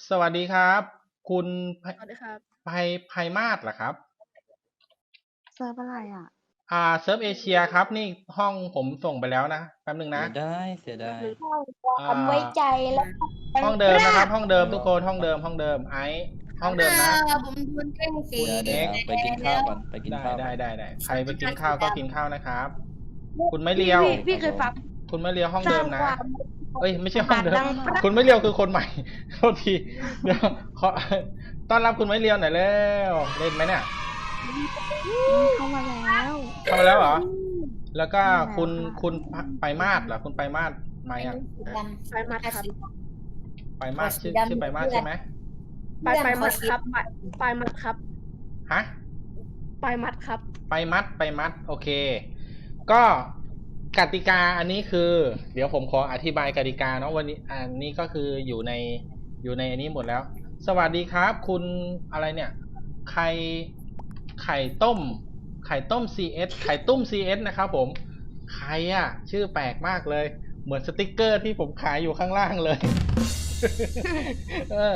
สวัสดีครับ คุณสวัสดีครับไพมาศเหรอครับเซิร์ฟอะไรอ่ะเซิร์ฟเอเชียครับนี่ห้องผมส่งไปแล้วนะแป๊บนึงเสีนะยดายเสียดายสร้างคอ่วามไว้าใจและห้องเดิมนะครับ ห้องเดิมทุกคนห้องเดิมไอซ์ห้องเดิมนะผมโดนแกล้งสีเดี๋ยวไปกินข้าวก่อนไปกินได้ข้าวได้ใครไปกินข้าวก็กินข้าวนะครับ คุณไม่เลียวพี่เคยฟังคุณไม่เลียวห้องสร้าเดิงมนะความเอ้ยไม่ใช่ห้องเดิมดังคุณไม่เลียวคือคนใหม่ โทษทีเดี๋ยวขอต้อนรับคุณไม่เลียวหน่อยเร็วเล่นไหมเนี่ยเข้ามาแล้วเข้ามาแล้วเหรอ แล้วก็เข้ามาแล้วคุณค่ะคุณไปมาศเหรอคุณไปมาศมายังไปมัดครับไปมาศชื่อไปมาศใช่ไหมไปมัดครับไปมัดครับฮะไปมัดครับไปมัดโอเค ก็กติกาอันนี้คือ เดี๋ยวผมขออธิบายกติกาเนาะวันนี้อันนี้ก็คืออยู่ในอันนี้หมดแล้ว สวัสดีครับ คุณอะไรเนี่ยไข่ต้ม CS ไข่ตุ้ม CS นะครับผมใครอ่ะ ชื่อแปลกมากเลย เหมือนสติกเกอร์ที่ผมขายอยู่ข้างล่างเลย เออ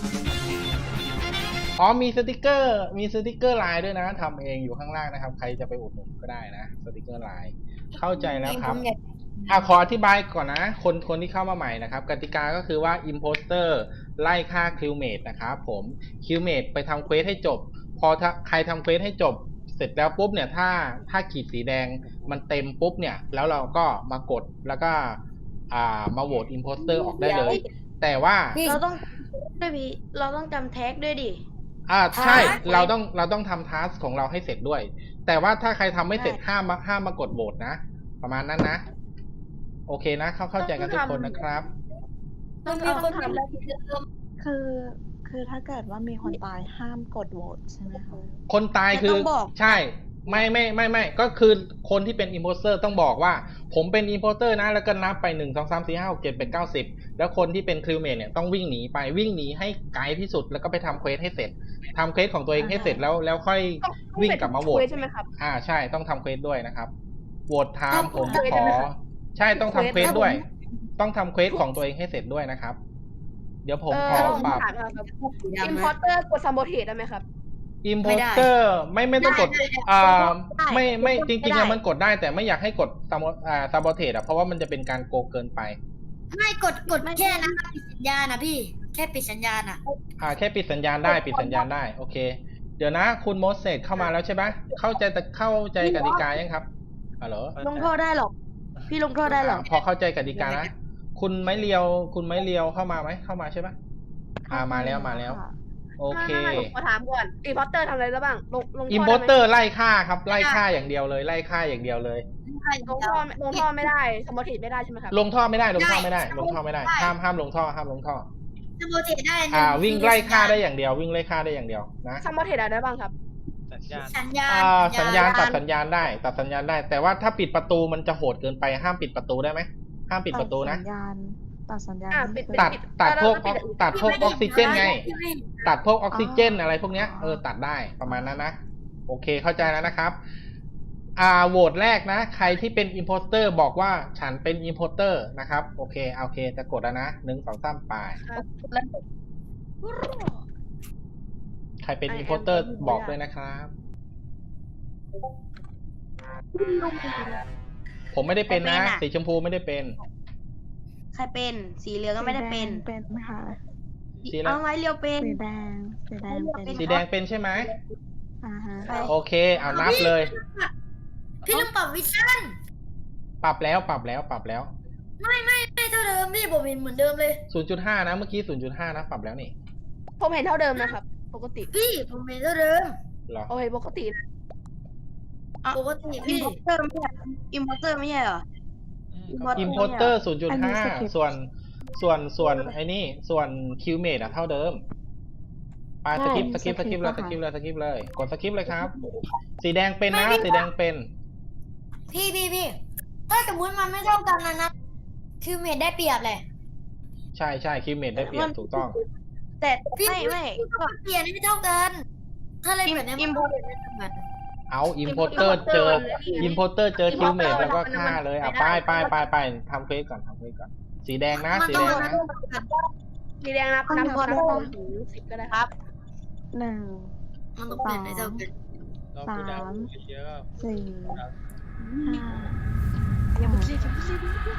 อ๋อมีสติกเกอร์ลายด้วยนะทำเองอยู่ข้างล่างนะครับ ใครจะไปอุดหนุนก็ได้นะสติกเกอร์ลายเข้าใจแล้วครับขออธิบายก่อนนะคนที่เข้ามาใหม่นะครับกติกาก็คือว่า Imposter ไล่ฆ่า Crewmate นะครับผม Crewmate ไปทำเควสให้จบ พอใครทำเควสให้จบเสร็จแล้วปุ๊บเนี่ยถ้าขีดสีแดงมันเต็มปุ๊บเนี่ยแล้วเราก็มากดแล้วก็มาโหวต Imposter ออกได้เลย แต่ว่าเราต้องด้วยพี่เราต้องจำแท็กด้วยดิใช่เราต้องทำทัสของเราให้เสร็จด้วย แต่ว่าถ้าใครทำไม่เสร็จห้ามมากดโหวตนะ ประมาณนั้นนะ โอเคนะเข้าใจกันทุกคนนะครับต้องมีคนทำแล้วคือถ้าเกิดว่ามีคนตายห้ามกดโหวตใช่ไหมคะคนตายคือแต่ต้องบอกใช่ไม่ก็คือคนที่เป็นอิมโพสเตอร์ต้องบอกว่าผมเป็นอิมโพสเตอร์นะแล้วก็นับไป1 2 3 4 5 6 7 8 9 10แล้วคนที่เป็นคริวเมทเนี่ยต้องวิ่งหนีให้ไกลที่สุดแล้วก็ไปทำเควสให้เสร็จทำเควสของตัวเองให้เสร็จแล้วค่อยวิ่งกลับมาโหวตใช่ไหมครับใช่ต้องทำเควสด้วยนะครับโหวตไทม์ผมทำเควสขได้อไหมครับใช่ต้องทำเควสด้วย ต้องทำเควสของตัวเองให้เสร็จด้วยนะครับ เดี๋ยวผมขอปรับถามครับอิมพอร์เตอร์กดซัมโบเทสได้ไหมครับอิมโพสเตอร์ไม่ต้องกดไม่จริงๆอะมันกดได้แต่ไม่อยากให้กดซาโบเทสเพราะว่ามันจะเป็นการโกงเกินไปไม่กดแค่นั้นปิดสัญญาณนะพี่แค่ปิดสัญญาณอ่ะแค่ปิดสัญญาณได้โอเค เดี๋ยวนะคุณโมเสสเข้ามาแล้วใช่ไหมเข้าใจกติกายังครับฮัลโหลลงโทษได้หรอกพี่ลงโทษได้หรอกพอเข้าใจกติกานะคุณไม้เลียวเข้ามาไหมเข้ามาใช่ไหมมาแล้ว โอเคไม่ผมขอถามก่อนอิมพอร์เตอร์ทำอะไรแล้วบ้างลงอิมโพสเตอร์ไล่ฆ่าครับไล่ฆ่าอย่างเดียวเลยลงท่อไม่ได้ซัมโบเทสไม่ได้ใช่ไหมครับลงท่อไม่ได้ห้ามลงท่อสโมเทได้วิ่งไล่ฆ่าได้อย่างเดียวนะซัมโบเทสอะไรได้บ้างครับสัญญาณสัญญาณตัดสัญญาณได้ แต่ว่าถ้าปิดประตูมันจะโหดเกินไปห้ามปิดประตูได้ไหมห้ามปิดประตูนะตัดสัญญาณปิดตัดพวกออกซิเจนไง ตัดพวกออกซิเจนอะไรพวกเนี้ยตัดได้ประมาณนั้นนะโอเคเข้าใจแล้วนะครับโหวตแรกนะใครที่เป็นอิมโพสเตอร์บอกว่าฉันเป็นอิมโพสเตอร์นะครับโอเคจะกดแล้วนะ1 2 3ไปใครเป็นอิมโพสเตอร์บอกด้วยนะครับ ผมไม่ได้เป็นนะสีชมพูไม่ได้เป็นใครเป็นสีเหลืองก็ไม่ได้เป็นเป็นค่ะสีอะไรเอาไว้เรียวเป็นสีแดงเป็นสีแดงเป็นใช่ไหมฮะโอเคเอานับเลยพี่ต้องปรับวิชั่นปรับแล้วไม่เท่าเดิมพี่ผมเห็นเหมือนเดิมเลย 0.5 นะเมื่อกี้ 0.5 นะปรับแล้วนี่ผมเห็นเท่าเดิมนะครับ ปกติพี่ผมเห็นเท่าเดิมเหรอโอเคปกติปกติอิมพี่พอร์เตอร์ไม่ใช่อิมพอร์เตอร์ไม่ใช่เหรออิมโพสเตอร์ 0.5 ส่วนไอ้นี่ส่วนคิวเมดเท่าเดิมไปสกิปเลยกดสกิปเลยครับ สีแดงเป็นนะสีแดงเป็นพี่ถ้าสมมติมันไม่เท่ากันนะคือเมดได้เปรียบเลยใช่คิวเมดได้เปรียบถูกต้องแต่พี่ไม่ก็เปลี่ยนไม่เท่ากัน ถ้าเลยแบบนี้อิมพอร์เอาอิมโพสเตอร์เจอคิวเมดแล้วก็ฆ่าเลยไปทำเควสก่อนสีแดงนะสีแดงนับถึง10ก็ได้ครับ 1 มันต้องเป็นในเจ้าเป็นเราคูดาวเยอะ 4 5 อย่าพูดสิอย่าพูดสิ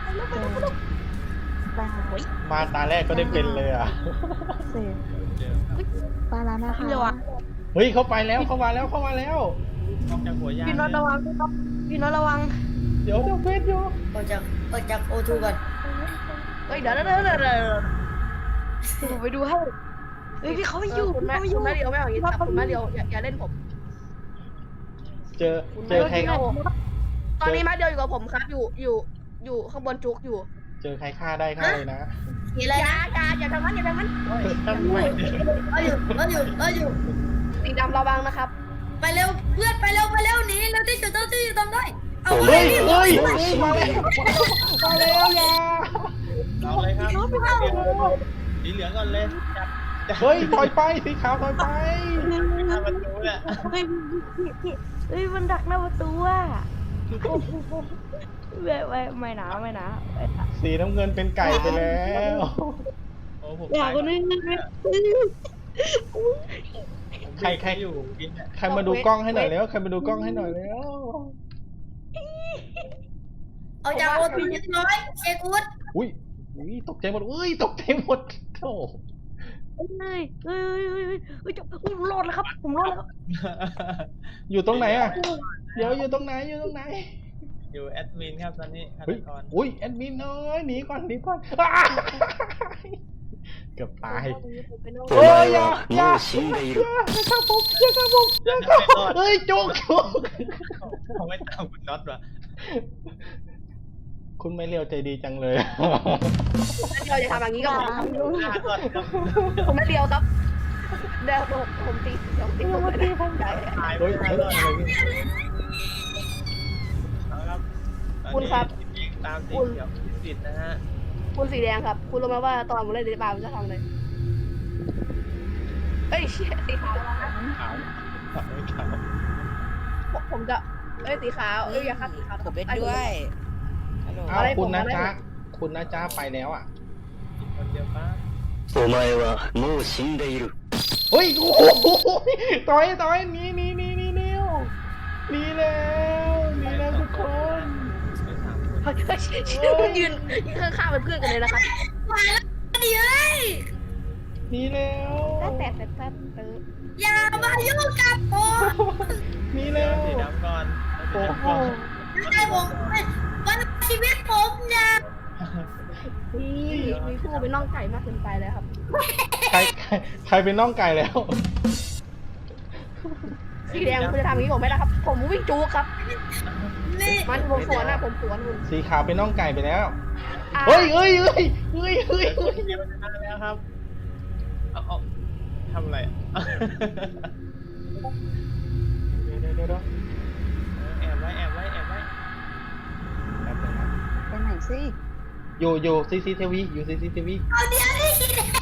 8 มาตาแรกก็ได้เป็นเลยอ่ะ 10 เยอะไปแล้วนะคะเฮ้ยเขาไปแล้วเข้ามาแล้วเข้ามาแล้วออกจากหัวยานพี่น็อตระวังพี่น็อตระวังเดี๋ยวเฟสอยู่ออกจากโอทูก่อนเฮ้ยเดี๋ยวผมไปดูให้เฮ้ยพี่เขาไม่อยู่คุณแม่เดียวไม่เอาอย่างนี้ครับคุณแม่เดียวอย่าเล่นผมเจอใครตอนนี้แม่เดียวอยู่กับผมครับอยู่ข้างบนจุกอยู่เจอใครฆ่าได้ฆ่าเลยนะสีอะไรนะอย่าทำนั้นทำไมเราอยู่สีดำระวังนะครับไปเร็วเพื่อนไปเร็วหนีเร็วที่สุดเท่าที่จะทำได้เอาเฮ้ยมาแล้วอย่าเอาเลยครับสีเหลืองก่อนเลยจับเฮ้ยถอยไปสีขาวถอยไปหน้าประตูแหละเฮ้ยมันดักหน้าประตูอ่ะไม่หนาสีน้ำเงินเป็นไก่ไปแล้วโอ้ผมอยากคนนี้ใครอยู่กินเนี่ยใครมาดูกล้องให้หน่อยแล้วใครมาดูกล้องให้หน่อยแล้วเอาจากโอทูเรียบร้อยเช็คอุดอุ้ยตกใจหมดตกใจหมดโธ่เฮ้ยผมรอดแล้วครับผมรอดแล้วครับอยู่ตรงไหนอ่ะเดี๋ยวอยู่ตรงไหนอยู่แอดมินครับตอนนี้ฆาตเฮ้ยกรอุ้ยแอดมินน้อยหนีก่อนอ้าเกือบตายお前はもう死んでいる。 เฮ้ยจุกเขาไม่ตามคุณน็อตว่ะคุณไม่เลี้ยวใจดีจังเลยเดียวจะทำอย่างนี้กับผมครับหน้าก่อนครับผมไม่เดียวครับเดี๋ยวผมตีผมไม่ได้ตั้งใจตายเฮ้ยไม่เฮ้ยได้อะไรเนี่ยเอาครับคุณครับตามสีเขียวติดนะฮะคุณสีแดงครับ คุณรู้ไหมว่าตอนผมเล่นเดบาร์ผมจะทำอะไรเอ้ยสีขาวขาวไม่ขาวผมจะสีขาวอย่าครับสีขาวผมเล่นด้วยฮัลโหลอ้าวคุณนะจ๊ะไปแล้วอ่ะคนเดียวป้าお前はもう死んでいる。 เฮ้ยโอ้โหต่อยหนีแล้วทุกคนไม่ถามคนยืนข้างๆเป็นเพื่อนกันเลยนะครับมาแล้วดิเอ้ยหนีแล้วแต่อย่ามายุ่งกับผมหนีเดี๋แล้ยววสีดำก่อนโอ้โหไม่ใช่ผมมันชีวิตผมอย่ามีคู่เป็นน่องไก่มากเกินไปเลยครับใครเป็นน้องไก่แล้วสีแดงคุณจะทำอย่างนี้ผมไม่ได้ครับ ผมวิ่งจูครับนี่มันผมสวนผมสวนคุณสีขาวเป็นน้องไก่ไปแล้วเฮ้ยเดี๋ยวมันจะมาแล้วครับเอาทำอะไรเดี๋ยวแอบไว้ไปไหนสิอยู่ CCTV อยู่ CCTV เอาเดี๋ยวนี่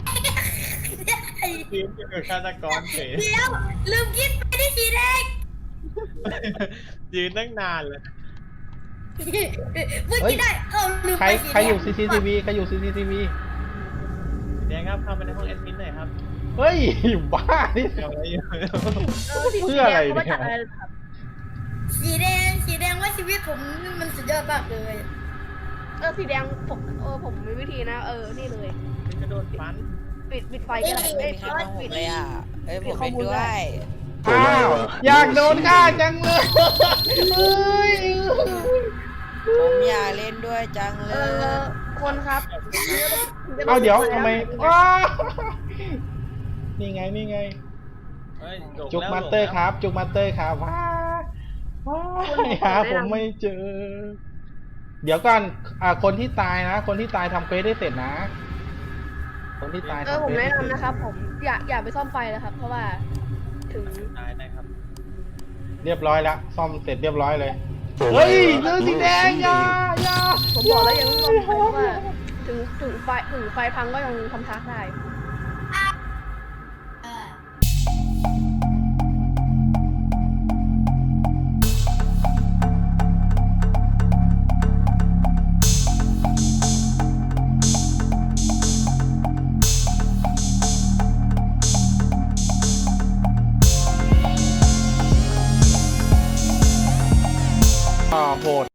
ทีมจะเป็นฆาตกรเฉยเดี๋ยวลืมคิดไปที่สีแดงยืนตั้งนานเลยเมื่อกี้ได้ลืมใครไปสีใครอยู่ CCTV ใครอยู่ CCTV สีแดงครับเข้าไปในห้องแอดมินหน่อยครับเฮ้ยบ้านี่เดี๋ยวอะไรอยู่เพื่ออะไรเนี่ยสีแดงว่าชีวิตผมมันสุดยอดมากเลยสีแดงผมมีวิธีนะนี่เลยกระโดดฟันปิดไฟก็ได้ไม่มีใครฟังผมเลยอ่ะเอ้ยผมเล่นด้วยอ้าวอยากโดนฆ่าจังเลยเฮ้ยผมอยากเล่นด้วยจังเลยคนครับเอาเดี๋ยวทำไมว้าวนี่ไง จุกมาสเตอร์ครับ จุกมาสเตอร์ครับว้าวหาผมไม่เจอ เดี๋ยวก่อนคนที่ตายนะ คนที่ตายทำเควสได้เสร็จนะ คนที่ตายทำผมเควสแนะได้เสร็จนำนะครับ ผมอย่าไปซ่อมไฟนะครับ เพราะว่าถึงตายได้ครับเรียบร้อยแล้วซ่อมเสร็จเรียบร้อยเลยおเฮ้ย前เรื่องはสีもうแดง死んอย่าでいる。 อย่าผมบอกแล้วยังไม่ซ่อมไฟเพราะว่าถึงไฟพังก็ยังทำทักได้โหด